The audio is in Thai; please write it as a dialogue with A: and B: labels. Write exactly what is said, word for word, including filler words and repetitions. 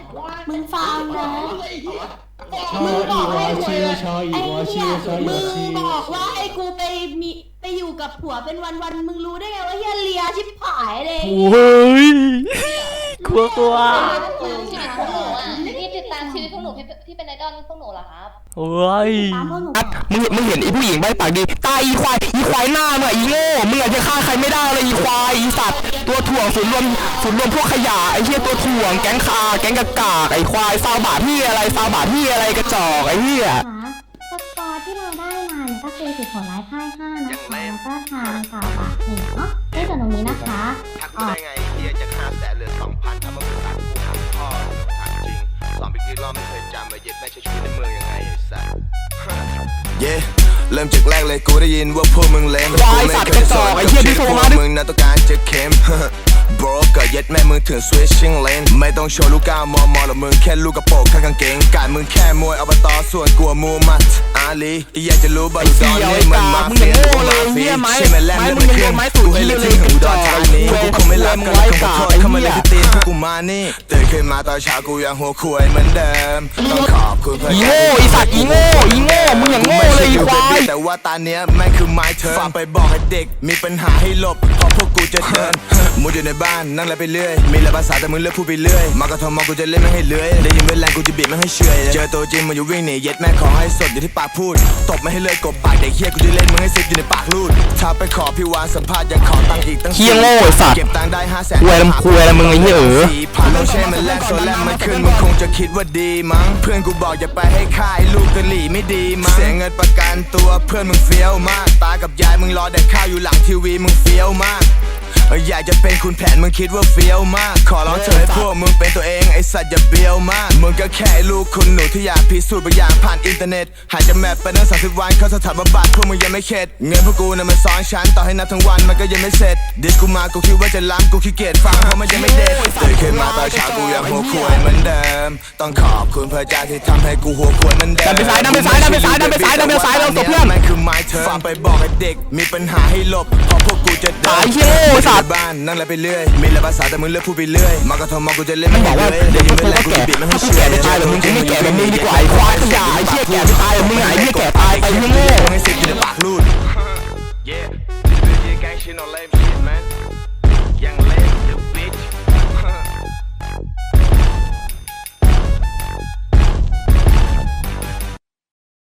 A: มึงฟังนะ
B: ชออีวอชิวชออี
A: ไอ้
B: วอชิ
A: เหี้
B: วย ชออี
A: มึ
B: วอง ชิว
A: บอกว่าให้กูไปมีไปอยู่กับผัวเป็นวันๆมึงรู้ได้ไงว่าเฮียเลียชิบหายเลย
C: โอ้ยกลัวกลัว
D: ชีวิตพวกหนูอ่ะพี่ติดตามชีวิตพวกหนูพี่พี่เป็นไอดอลพวกหนูเหรอครับ
C: โอ้ย
A: ตามพวกหนู
E: มึงมึงเห็นไอ้ผู้หญิงใบปากดีตายอีควายอีควายหน้ามึงอะอีโง่มึงอาจจะฆ่าใครไม่ได้เลยอีควายอีสัตว์ตัวถ่วงศูนย์รวมศูนย์รวมพวกขยะไอ้เหี้ยตัวถ่วงแก๊งคาแก๊งกากากไอ้ควายซาวบาทที่อะไรซาวบาทที่อะไรกระจอกไอ้เหี้ย
F: สกอร์ที่เราได้มาเนี่ยก็คือสิบผลร้ายพ่ายห้านะคะแล้วก็ทางข่าวบาทหนึ่งเนาะในส่วนตรงนี้นะคะ
G: ทักกูได้ไงเฮียจะฆ่าแสนเหลือสองพันทำมาเป็นตัดกูหักพ่อถามจริงสอนไปกี่รอบไม่เคยจำมาเย็ดแม่ใช้ชีวิตในเมืองยังไงไอ้สัสเย่เริ่มจากแรกเลยกูได้ยินว่าพวกมึงเลมกูไม่เคยสอนกับชีวิตพวกมึงนะต้องการจะเข้มบรก็เย็ดแม่มึงถึง switching lane ไม่ต้องโชว์ลูกก้าวมอมอหรอกมึงแค่ลูกกระโปรงข้างกางเกงการมึงแค่มวยอบตส่วนกลัวมูมัดอาลีอยากจะรู้บ้างตอนนี้มันมาเฟียหรือมาเฟียใช่ไหมแลมเล่นเครื่องกูให้เล่นที่หูดอนทางนี้กูคงไม่รับกันคงขอโทษเข้ามาเล่นที่ตีนพวกกูมานี่ตื่นขึ้นมาตอนเช้ากูยังหัวคุยเหมือนเดิมต้องขอบคุณเพื่อน
E: อีโง่อีสัตว์อีโง่อีโง่มึงอย่างโง่เลยอีควาย
G: แต่ว่าตาเนี้ยแม่งคือไม้เธอฟังไปบอกให้เด็กมีปัญหาให้หลบเพราะพวกกูจะเดินมุดอยู่ในบ้านนั่งอะไรไปเรื่อยมีหลายภาษาแต่มึงเลือกพูดไปเรื่อยมากระทำมอกูจะเล่นไม่ให้เลื้อยได้ยินเวลากูจะบีบไม่ให้เฉยเจอตัวจริงมึงอยู่วิ่งหนีเย็ดแม่ขอให้สดอยู่ที่ปากพูดตบไม่ให้เลื่อยกบปากเด็กเฮียกูจะเล่นมึงให้ซิดอยู่ในปากลูดถ้าไปขอพี่วานสัมภาษณ์ยังขอตังค์อีกตั้ง
E: เฮียโง่ไอ้สัตว์
G: เก็บตังค์ได้ห้าแสน
E: คุยลำคุยอะไรมึงไอ้เหี้ยเออ
G: สี่พันลองเช่มันแลกโซแลมมันขึ้นมึงคงจะคิดว่าดีมั้งเพื่อนกูบอกอย่าไปให้ค่ายลูกกะหลี่ไม่ดีมั้งเสียเงินประกันตัวเพื่อนมึงเฟี้ยวมากตากับยายมึงรอแดกข้าวอยู่หลังทีวีมึงเฟี้ยวมากอยากจะเป็นคุณแผนมึงคิดว่าเฟี้ยวมากขอร้องเธอให้พวกมึงเป็นตัวเองไอสัตว์อย่าเบี้ยวมากมึงก็แค่ลูกคุณหนูที่อยากพิสูจน์บางอย่างผ่านอินเทอร์เน็ตหายจากแมปไปตั้งสามสิบวันเข้าสถานบำบัดพวกมึงยังไม่เข็ดเงินพวกกูน่ะมันซ้อนชั้นต่อให้นับทั้งวันมันก็ยังไม่เสร็จดิสกูมากูคิดว่าจะล้ำกูขี้เกียจฟังเพราะมันยังไม่เด็ดตื่นขึ้นมาตอนเช้ากูยังหัวควายเหมือนเดิมต้องขอบคุณพระเจ้าที่ทำให้กูหัวควายเหมือนเดิม
E: ดันไปซ้ายดันไปซ้ายดันไปซ้ายดันไปซ้ายดันไปซ้ายเราตัวเพื่อน
G: แม่งคือไม้เธอฟังไปบอกให้เด็กมีปัญหาให้หลบเพราะพวกกูจะเดิน
E: ตายเหี้ยโง่สัตว์
G: บ้านนั่งอะไรไปเรื่อยมีหลายภาษาแต่มึงเลือกพูดไปเรื่อยมากระทำมอกูจะเล่น
E: มันบอกว่า
G: ได้
E: เด็ก
G: ยิน
E: พว
G: เว
E: ก
G: ลา
E: เขา
G: กู
E: แก่
G: จะบีบไม่ให้
E: ถ้า
G: เชื่
E: แก่
G: อ
E: จะตายหรือมึงจะไม่แก่แบบนี้ดีกว่าไอ้ควายขยะไอ้เหี้ยแก่จะตายหรือมึงไงไอ้เหี้ยแก่ตายไอ้เหี้ยโง่
G: มึงให้สิบอยู่ในปากลูด